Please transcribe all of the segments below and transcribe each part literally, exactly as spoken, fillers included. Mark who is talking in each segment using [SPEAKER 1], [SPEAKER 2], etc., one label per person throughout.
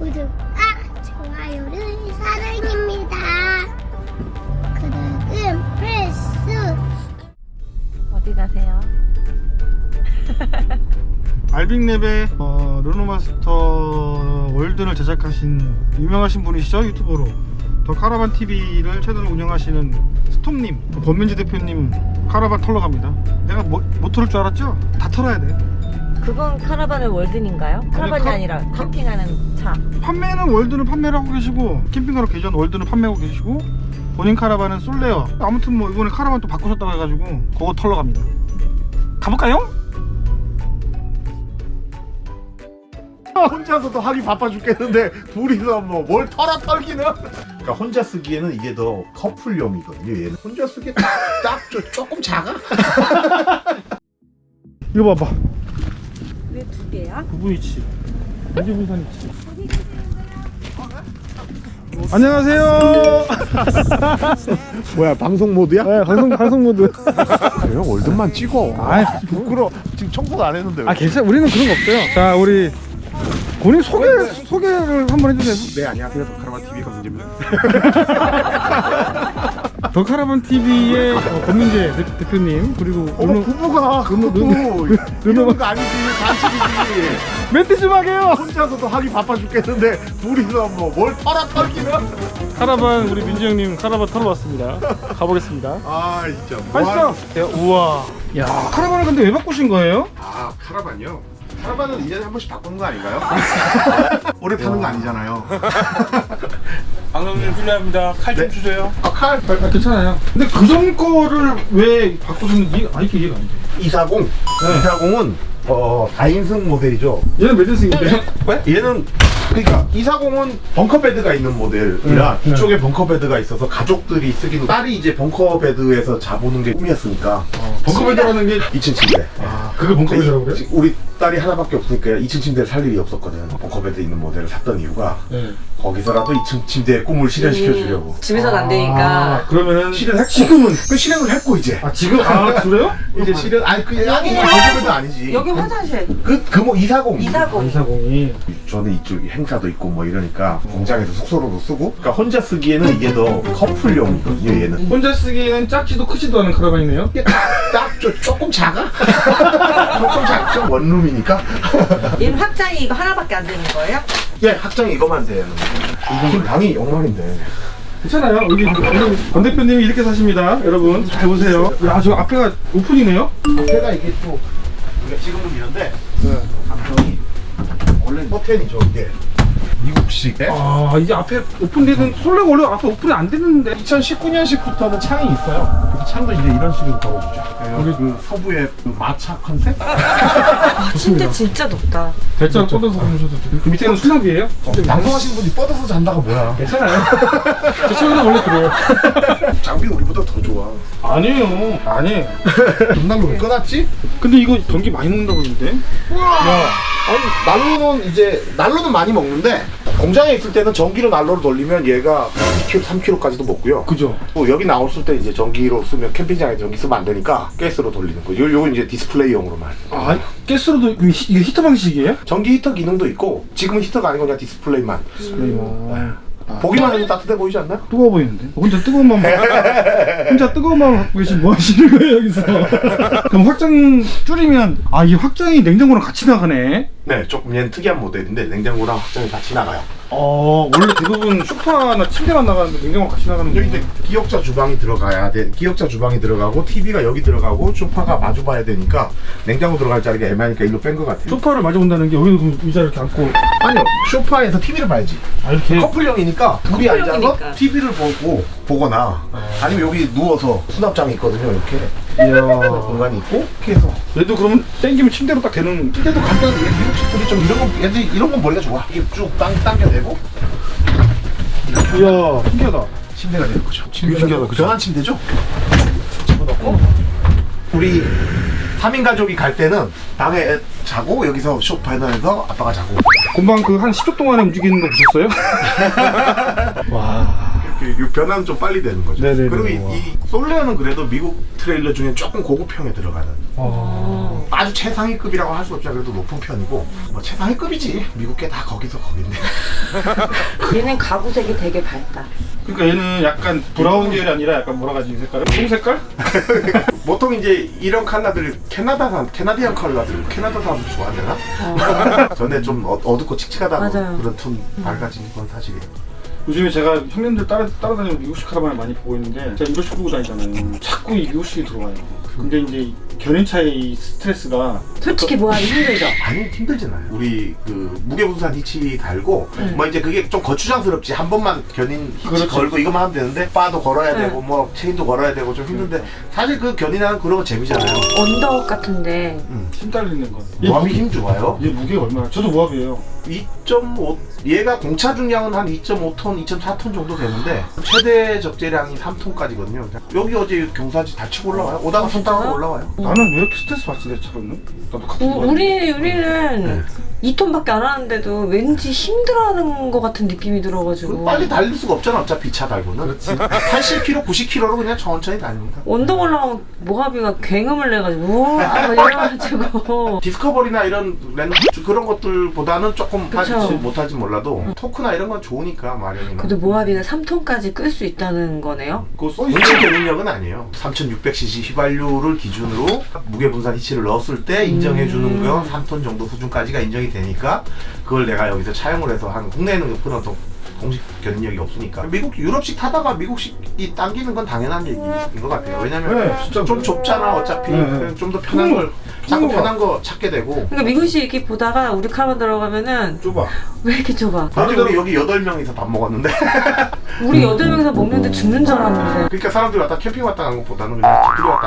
[SPEAKER 1] 구독과 좋아요를 사랑입니다. 구독은 필수.
[SPEAKER 2] 어디 가세요?
[SPEAKER 3] 알빅랩의 어, 르노마스터 월드를 제작하신 유명하신 분이시죠, 유튜버로. 더 카라반 티비를 채널을 운영하시는 스톰님, 권민지 대표님 카라반 털러 갑니다. 내가 뭐, 못 털을 줄 알았죠? 다 털어야 돼.
[SPEAKER 2] 그건 카라반의 월든인가요? 카라반이
[SPEAKER 3] 카-
[SPEAKER 2] 아니라
[SPEAKER 3] 카-
[SPEAKER 2] 캠핑하는 차.
[SPEAKER 3] 판매는 월드는 판매를 하고 계시고, 캠핑카로 계전 월드는 판매하고 계시고, 본인 카라반은 솔레어. 아무튼 뭐 이번에 카라반 또 바꾸셨다고 해가지고 그거 털러 갑니다. 가볼까요?
[SPEAKER 4] 혼자서도 하기 바빠 죽겠는데 둘이서 뭐 뭘 털어 털기는. 그러니까 혼자 쓰기에는 이게 더 커플용이거든요. 얘는 혼자 쓰기에 딱, 딱 조, 조금 작아.
[SPEAKER 3] 이거 봐봐.
[SPEAKER 2] 왜 두 개야?
[SPEAKER 3] 부부이치. 언제 분산이치. 안녕하세요.
[SPEAKER 4] 뭐야, 방송 모드야?
[SPEAKER 3] 네, 방송 방송 모드.
[SPEAKER 4] 형 월드만 찍어.
[SPEAKER 3] 아이,
[SPEAKER 4] 부끄러. 지금 청소도 안 했는데.
[SPEAKER 3] 아 괜찮아. 우리는 그런 거 없어요. 자, 우리 본인 소개 소개를 한번 해주세요.
[SPEAKER 4] 네, 안녕하세요. 카라반 티비 권민재입니다.
[SPEAKER 3] 더 카라반 티비의 어, 권민재 대- 대표님 그리고
[SPEAKER 4] 어머,
[SPEAKER 3] 르노
[SPEAKER 4] 부부가 그것도 이러는 거 아니지. 반칙이지.
[SPEAKER 3] 멘트 좀 하게요.
[SPEAKER 4] 혼자서도 하기 바빠 죽겠는데 둘이서 뭐 뭘 털어 털기는.
[SPEAKER 3] 카라반 우리 민재 형님 카라반 타러 왔습니다. 가보겠습니다.
[SPEAKER 4] 아, 진짜.
[SPEAKER 3] 가시죠. 야, 우와. 야, 카라반을 근데 왜 바꾸신 거예요?
[SPEAKER 4] 아, 카라반이요? 카라반은 일 년에 한 번씩 바꾸는 거 아닌가요? 오래 타는 거 아니잖아요.
[SPEAKER 3] 방송님 실례합니다. 칼 좀
[SPEAKER 4] 네.
[SPEAKER 3] 주세요.
[SPEAKER 4] 아, 칼
[SPEAKER 3] 아, 괜찮아요. 근데 그 전 거를 왜 바꾸셨는지 아 이게 이해가 안 돼.
[SPEAKER 4] 이사공. 이사공은 어 다인승 모델이죠.
[SPEAKER 3] 얘는 몇 대승인데요?
[SPEAKER 4] 왜? 얘는 그러니까 이사공은 벙커 베드가 있는 모델이라
[SPEAKER 3] 네,
[SPEAKER 4] 뒤쪽에 벙커 베드가 있어서 가족들이 쓰기도. 딸이 이제 벙커 베드에서 자보는 게 꿈이었으니까.
[SPEAKER 3] 벙커베드라는 게
[SPEAKER 4] 이 층 침대.
[SPEAKER 3] 아, 그게 벙커베드라고 그래요?
[SPEAKER 4] 우리 딸이 하나밖에 없으니까 이 층 침대를 살 일이 없었거든. 벙커 베드 있는 모델을 샀던 이유가
[SPEAKER 3] 네.
[SPEAKER 4] 거기서라도 이 층 침대의 꿈을 실현시켜 주려고.
[SPEAKER 2] 집에서는 안
[SPEAKER 3] 아,
[SPEAKER 2] 되니까.
[SPEAKER 3] 그러면은
[SPEAKER 4] 실현했고.
[SPEAKER 3] 지금은
[SPEAKER 4] 그 실현을 했고 이제.
[SPEAKER 3] 아 지금 아 그래요?
[SPEAKER 4] 이제 실현 아니 그 아니 이게 벙커 베드 아니지.
[SPEAKER 2] 여기 화장실.
[SPEAKER 4] 그그뭐 이사공.
[SPEAKER 2] 이사공.
[SPEAKER 3] 이사공이
[SPEAKER 4] 저는 이쪽 행사도 있고 뭐 이러니까 공장에서 숙소로도 쓰고. 그러니까 혼자 쓰기에는 이게 더 커플용이거든요. 얘는
[SPEAKER 3] 혼자 쓰기에는 작지도 크지도 않은 카라반이네요.
[SPEAKER 4] 이게 딱 조, 조금 작아. 조금 작죠. 원룸이니까.
[SPEAKER 2] 얘는 확장이 이거 하나밖에 안 되는 거예요?
[SPEAKER 4] 예, 확장이 이거만 돼요. 이건 방이 영만인데.
[SPEAKER 3] 괜찮아요. 여기 오늘 권 대표님이 이렇게 사십니다. 여러분 잘 보세요. 야, 저 앞에가 오픈이네요.
[SPEAKER 4] 앞에가 이게 또 우리가 지금은 이런데 감성이 원래 버튼이죠 이게. 미국식.
[SPEAKER 3] 아, 이게 앞에 오픈되는 솔레가 원래 앞에 오픈이 안 됐는데.
[SPEAKER 4] 이천십구 년식부터는 창이 있어요. 그 창도 이제 이런 식으로 걸어주죠. 우리 그 서부의 그 마차 컨셉?
[SPEAKER 2] 침대 진짜 높다.
[SPEAKER 3] 대짜 뻗어서 보셔도 돼요. 그 밑에는 수납이에요?
[SPEAKER 4] 어, 방송하시는 분이 뻗어서 잔다가 뭐야?
[SPEAKER 3] 괜찮아요. 제 친구는 원래 그래요.
[SPEAKER 4] 장비 우리보다 더 좋아.
[SPEAKER 3] 아니에요. 아니에요.
[SPEAKER 4] 난로 왜 꺼놨지?
[SPEAKER 3] 근데 이거 전기 많이 먹는다고 그러는데?
[SPEAKER 4] 야, 아니 난로는 이제 난로는 많이 먹는데 공장에 있을 때는 전기로 난로를 돌리면 얘가 이 킬로그램, 삼 킬로그램까지도 먹고요.
[SPEAKER 3] 그죠?
[SPEAKER 4] 또 여기 나왔을 때 이제 전기로 쓰면 캠핑장에 전기 쓰면 안 되니까 가스로 돌리는 거. 요 요건 이제 디스플레이용으로만.
[SPEAKER 3] 아, 가스로도 이거 히- 이게 히터 방식이에요?
[SPEAKER 4] 전기 히터 기능도 있고 지금은 히터가 아니고 그냥 디스플레이만.
[SPEAKER 3] 디스플레이만.
[SPEAKER 4] 보기만 해도 따뜻해 보이지 않나요?
[SPEAKER 3] 뜨거워 보이는데? 혼자 뜨거운 마음 혼자 뜨거운 마음 갖고 계신 뭐 하시는 거예요 여기서? 그럼 확장 줄이면 아 이 확장이 냉장고랑 같이 나가네.
[SPEAKER 4] 네, 조금 얘는 특이한 모델인데 냉장고랑 확장이 같이 나가요.
[SPEAKER 3] 어 원래 대부분 소파나 침대만 나가는데 냉장고 같이 나가는
[SPEAKER 4] 여기
[SPEAKER 3] 거.
[SPEAKER 4] 이제 기역자 주방이 들어가야 돼. 기역자 주방이 들어가고 티비가 여기 들어가고 소파가 마주 봐야 되니까 냉장고 들어갈 자리가 애매하니까 일로 뺀 것 같아요.
[SPEAKER 3] 소파를 마주 본다는 게 여기도 그럼 의자 이렇게 앉고
[SPEAKER 4] 아니요, 소파에서 티비를 봐야지.
[SPEAKER 3] 아 이렇게
[SPEAKER 4] 커플형이니까 둘이
[SPEAKER 2] 커플형이니까.
[SPEAKER 4] 앉아서 티비를 보고 보거나 아니면 여기 누워서 수납장이 있거든요. 이렇게
[SPEAKER 3] 이야.
[SPEAKER 4] 공간이 있고 이렇게 해서.
[SPEAKER 3] 얘도 그러면 땡기면 침대로 딱 되는.
[SPEAKER 4] 침대도 간단해. 미국식들이 좀 이런 건 얘들 이런 건 머리가 좋아. 이게 쭉 당, 당겨내고
[SPEAKER 3] 이야 신기하다.
[SPEAKER 4] 침대가 되는 거죠.
[SPEAKER 3] 되게 신기하다, 그죠?
[SPEAKER 4] 변환 침대죠. 집어넣고 우리 삼 인 가족이 갈 때는 방에 자고 여기서 소파에서 아빠가 자고.
[SPEAKER 3] 금방 그 한 십 초 동안에 움직이는 거 보셨어요? 와.
[SPEAKER 4] 이렇게 이 변화는 좀 빨리 되는 거죠.
[SPEAKER 3] 네네네.
[SPEAKER 4] 그리고 이, 이 솔레어는 그래도 미국 트레일러 중에 조금 고급형에 들어가는
[SPEAKER 3] 어.
[SPEAKER 4] 아주 최상위급이라고 할 수 없지만 그래도 높은 편이고 뭐 최상위급이지. 미국 게 다 거기서 거긴데.
[SPEAKER 2] 얘는 가구색이 되게 밝다.
[SPEAKER 3] 그러니까 얘는 약간 브라운 계열이 아니라 약간 뭐라 가지 이 색깔은? 송 색깔?
[SPEAKER 4] 보통 이제 이런 컬러들 캐나다산 캐나디안 컬러들 캐나다 사람들 좋아하려나? 전에 좀 어, 어둡고 칙칙하다고
[SPEAKER 2] 맞아요.
[SPEAKER 4] 그런 톤 밝아진 건 사실이에요.
[SPEAKER 3] 요즘에 제가 형님들 따라, 따라다니는 미국식 카라반을 많이 보고 있는데 제가 이거씩 끌고 다니잖아요. 자꾸 이 미국식이 들어와요. 근데 이제 견인차의 이 스트레스가
[SPEAKER 2] 솔직히 뭐하기 힘들죠?
[SPEAKER 4] 아니 힘들잖아요. 우리 그 무게분산 히치 달고 뭐 이제 그게 좀 거추장스럽지. 한 번만 견인 히치
[SPEAKER 3] 그렇지.
[SPEAKER 4] 걸고 이것만 하면 되는데 바도 걸어야
[SPEAKER 2] 네.
[SPEAKER 4] 되고 뭐 체인도 걸어야 되고 좀 힘든데 사실 그 견인하는 그런 거 재미잖아요.
[SPEAKER 2] 언더옷 같은데
[SPEAKER 4] 음.
[SPEAKER 3] 힘 딸리는 거.
[SPEAKER 4] 모압이 힘 좋아요.
[SPEAKER 3] 얘 무게가 얼마나? 저도 모압이에요.
[SPEAKER 4] 이 점 오 얘가 공차 중량은 한 이 점 오 톤, 이 점 사 톤 정도 되는데 최대 적재량이 삼 톤까지거든요. 여기 어제 경사지 다 치고 올라와요. 오다가 손 따고 올라와요.
[SPEAKER 3] 나는 왜 이렇게 스트레스 받지 내 차로는? 나도 같은
[SPEAKER 2] 우,
[SPEAKER 3] 거.
[SPEAKER 2] 우리, 우리는
[SPEAKER 4] 네.
[SPEAKER 2] 이 톤밖에 안 하는데도 왠지 힘들어하는 것 같은 느낌이 들어가지고
[SPEAKER 4] 빨리 달릴 수가 없잖아. 어차피 차 달고는.
[SPEAKER 3] 그렇지.
[SPEAKER 4] 팔십 킬로미터, 구십 킬로미터로 그냥 천천히 다닙니다.
[SPEAKER 2] 언덕 올라가면 모하비가 굉음을 내가지고 우와 막 이래가지고
[SPEAKER 4] 디스커버리나 이런 렌 그런 것들보다는 조금
[SPEAKER 2] 그쵸.
[SPEAKER 4] 하지 못하지 몰라도 토크나 이런 건 좋으니까 마련이나.
[SPEAKER 2] 근데 모하비가 삼 톤까지 끌 수 있다는 거네요?
[SPEAKER 3] 그거 써
[SPEAKER 4] 본체
[SPEAKER 3] 있어.
[SPEAKER 4] 견인력은 아니에요. 삼천육백 씨씨 휘발유를 기준으로 무게분산 히치를 넣었을 때 인정해주는 건 삼 톤 정도 수준까지가 인정이 되니까 그걸 내가 여기서 차용을 해서 한 국내에는 그런 또 공식 견인력이 없으니까 미국 유럽식 타다가 미국식이 당기는 건 당연한 얘기인 것 같아요. 왜냐면
[SPEAKER 3] 네, 진짜
[SPEAKER 4] 좀 좁잖아 어차피.
[SPEAKER 3] 네.
[SPEAKER 4] 좀 더 편한
[SPEAKER 3] 음,
[SPEAKER 4] 걸 자꾸
[SPEAKER 3] 음.
[SPEAKER 4] 편한 거 찾게 되고.
[SPEAKER 2] 그러니까 미국식 이렇게 보다가 우리 카라반 들어가면은
[SPEAKER 3] 좁아.
[SPEAKER 2] 왜 이렇게 좁아?
[SPEAKER 4] 어제 우리 여기 여덟 명이서 밥 먹었는데
[SPEAKER 2] 우리 여덟 명이서 먹는데 죽는 줄 알았는데
[SPEAKER 4] 그러니까 사람들이 왔다 캠핑 왔다 가는 것보다는 그냥 집들이 왔다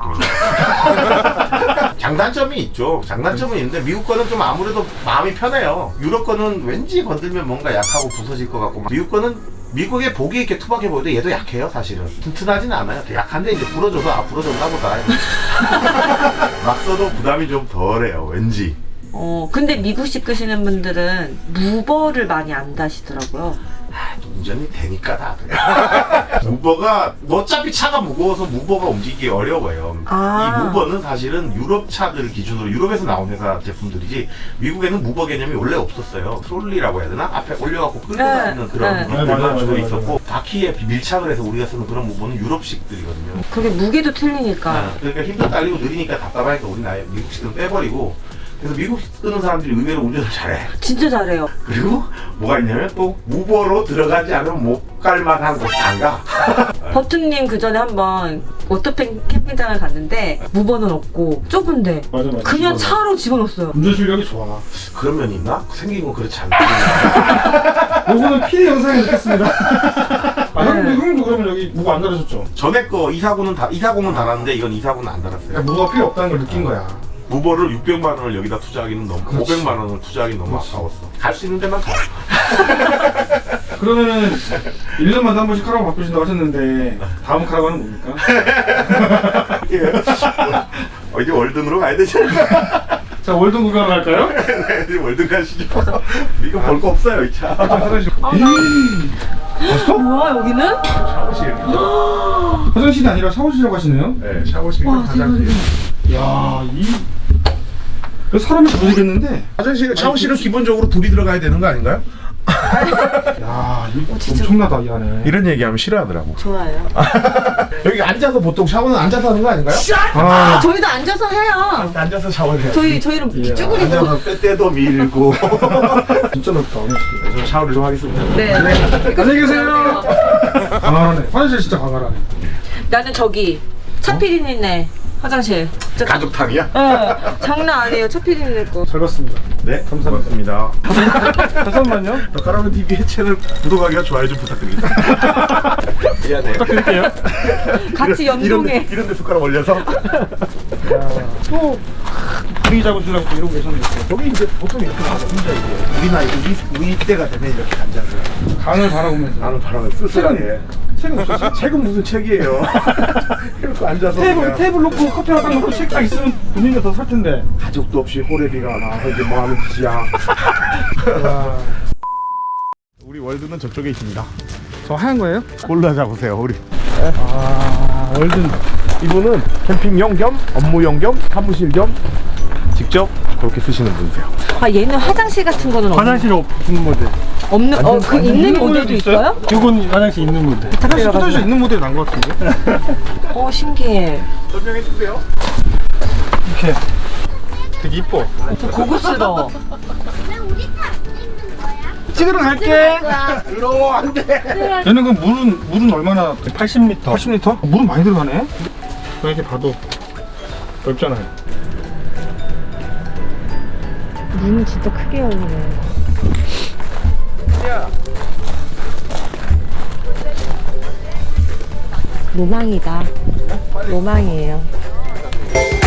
[SPEAKER 4] 가는 느낌이에요. 장단점이 있죠. 장단점은 있는데 미국 거는 좀 아무래도 마음이 편해요. 유럽 거는 왠지 건들면 뭔가 약하고 부서질 것 같고 미국 거는 미국의 보기 이렇게 투박해 보여도 얘도 약해요 사실은. 튼튼하진 않아요. 약한데 이제 부러져도 아 부러졌나 보다. 막 써도 부담이 좀 덜해요 왠지.
[SPEAKER 2] 어 근데 미국식 끄시는 분들은 무버를 많이 안 다시더라고요.
[SPEAKER 4] 운전이 되니까 다들. 무버가 어차피 차가 무거워서 무버가 움직이기 어려워요.
[SPEAKER 2] 아.
[SPEAKER 4] 이 무버는 사실은 유럽 차들 기준으로 유럽에서 나온 회사 제품들이지 미국에는 무버 개념이 원래 없었어요. 솔리라고 해야 되나? 앞에 올려갖고 끌고
[SPEAKER 2] 네.
[SPEAKER 4] 다니는 그런
[SPEAKER 2] 네.
[SPEAKER 4] 무버가
[SPEAKER 3] 맞아요, 맞아요,
[SPEAKER 4] 주로
[SPEAKER 3] 맞아요.
[SPEAKER 4] 있었고 바퀴에 밀착을 해서 우리가 쓰는 그런 무버는 유럽식들이거든요.
[SPEAKER 2] 그게 무게도 틀리니까.
[SPEAKER 4] 아, 그러니까 힘도 딸리고 느리니까 답답하니까 우리는 아예 미국식은 빼버리고 그래서 미국 쓰는 사람들이 의외로 운전을 잘해.
[SPEAKER 2] 진짜 잘해요.
[SPEAKER 4] 그리고 뭐가 있냐면 또 무버로 들어가지 않으면 못 갈 만한 곳 안 가.
[SPEAKER 2] 버튼님 그 전에 한번 워터캠 캠핑장을 갔는데 무버는 없고 좁은데
[SPEAKER 3] 맞아 맞아.
[SPEAKER 2] 그냥 차로 집어넣었어요.
[SPEAKER 3] 운전 실력이 좋아.
[SPEAKER 4] 그런 면이 있나? 생긴 건 그렇지 않나?
[SPEAKER 3] 요거는 피해 영상에 넣겠습니다. 아
[SPEAKER 2] 네.
[SPEAKER 3] 형님 형님도 그러면 여기 무거 안 달아줬죠?
[SPEAKER 4] 전에 거 이사구는 다 이사공은 달았는데 이건 이사구는 안 달았어요.
[SPEAKER 3] 그러니까 무거가 필요 없다는 걸 느낀 거야.
[SPEAKER 4] 무버를 육백만 원을 여기다 투자하기는 너무
[SPEAKER 3] 그렇지.
[SPEAKER 4] 오백만 원을 투자하기 너무
[SPEAKER 3] 그렇지.
[SPEAKER 4] 아까웠어. 갈 수 있는 데만 가.
[SPEAKER 3] 그러면은 일 년마다 한 번씩 카라반 바꾸신다고 하셨는데 다음 카라반은 뭡니까?
[SPEAKER 4] 어, 이제 월든으로 가야 되지 않나?
[SPEAKER 3] 자 월드 구경 갈까요?
[SPEAKER 4] 네, 이제 월든 가시죠. 이거 볼 거 없어요 이 차.
[SPEAKER 3] 화장실. 봤어?
[SPEAKER 2] 뭐야 여기는?
[SPEAKER 4] 샤워실.
[SPEAKER 3] 화장실이 아니라 샤워실이라고 하시네요?
[SPEAKER 4] 네, 샤워실.
[SPEAKER 2] 와,
[SPEAKER 4] 화장실.
[SPEAKER 3] 야 이. 그 사람이 모르겠는데.
[SPEAKER 4] 화장실, 샤워실은 기본적으로 둘이 들어가야 되는 거 아닌가요?
[SPEAKER 3] 야 이거
[SPEAKER 2] 어, 진짜.
[SPEAKER 3] 엄청나다 이 안에.
[SPEAKER 4] 이런 얘기하면 싫어하더라고.
[SPEAKER 2] 좋아요.
[SPEAKER 4] 여기 앉아서 보통 샤워는 앉아서 하는 거 아닌가요?
[SPEAKER 3] 아
[SPEAKER 2] 저희도 앉아서 해요.
[SPEAKER 4] 앉아서 샤워를 해요.
[SPEAKER 2] 저희 저희는
[SPEAKER 3] 예.
[SPEAKER 2] 쭈그리고.
[SPEAKER 4] 앉아서 빼때도 밀고.
[SPEAKER 3] 진짜 넓다.
[SPEAKER 4] 좀 샤워를 좀 하겠습니다.
[SPEAKER 2] 네.
[SPEAKER 3] 안녕히 계세요. 강하네. 화장실 진짜 강하네.
[SPEAKER 2] 나는 저기 차피디님네 화장실. 진짜
[SPEAKER 4] 가족탕이야?
[SPEAKER 2] 어, 장난 아니에요. 차피디님 거.
[SPEAKER 3] 잘 봤습니다.
[SPEAKER 4] 네, 감사합니다.
[SPEAKER 3] 잠깐만요.
[SPEAKER 4] 더 까라면 티비의 채널 구독하기와 좋아요 좀 부탁드립니다. 미안해요.
[SPEAKER 3] 부탁드릴게요.
[SPEAKER 2] 같이
[SPEAKER 4] 이런 데,
[SPEAKER 2] 연동해.
[SPEAKER 4] 이런 데 숟가락 올려서.
[SPEAKER 3] 또 분위기 잡으시려고 또 이러고 계셨는데
[SPEAKER 4] 여기 이제 보통 이렇게 나와서 혼자 이제 우리 나이, 우리, 우리 때가 되면 이렇게 앉아서
[SPEAKER 3] 강을 바라보면서
[SPEAKER 4] 나는 바람을 쓸쓸하게.
[SPEAKER 3] 책은 없었어?
[SPEAKER 4] 책은 무슨 책이에요. 이렇게 앉아서
[SPEAKER 3] 테이블
[SPEAKER 4] 그냥
[SPEAKER 3] 테이블 놓고 커피 하나 딱 놓고 책 딱 있으면 분위기가 더 살 텐데.
[SPEAKER 4] 가족도 없이 호래비가 나와서 이제 뭐 하는 짓이야.
[SPEAKER 3] 야.
[SPEAKER 4] 우리 월드는 저쪽에 있습니다.
[SPEAKER 3] 저 하얀 거예요?
[SPEAKER 4] 골라 잡으세요 우리.
[SPEAKER 3] 아, 월든.
[SPEAKER 4] 이분은 캠핑용 겸 업무용 겸 사무실 겸 직접 그렇게 쓰시는 분이세요.
[SPEAKER 2] 아 얘는 화장실 같은 거는 없는
[SPEAKER 3] 화장실 없는 모델.
[SPEAKER 2] 없는 어 그 있는
[SPEAKER 3] 있는
[SPEAKER 2] 모델도
[SPEAKER 3] 모델도
[SPEAKER 2] 있어요?
[SPEAKER 3] 이건 화장실 있는 모델. 화장실 화장실 있는 모델이 난 것 같은데.
[SPEAKER 2] 어 신기해.
[SPEAKER 4] 설명해 주세요.
[SPEAKER 3] 이렇게 되게 이뻐.
[SPEAKER 2] 좀 고급스러워.
[SPEAKER 1] 왜 우리 다안 찍는 거야?
[SPEAKER 3] 찍으러 갈게.
[SPEAKER 4] 들어 안 돼.
[SPEAKER 3] 얘는 그 물은 물은 얼마나? 팔십 리터. 팔십 리터? 물은 많이 들어가네. 이렇게 봐도 넓잖아요.
[SPEAKER 2] 눈은 진짜 크게 열리네. 로망이다. 로망이에요.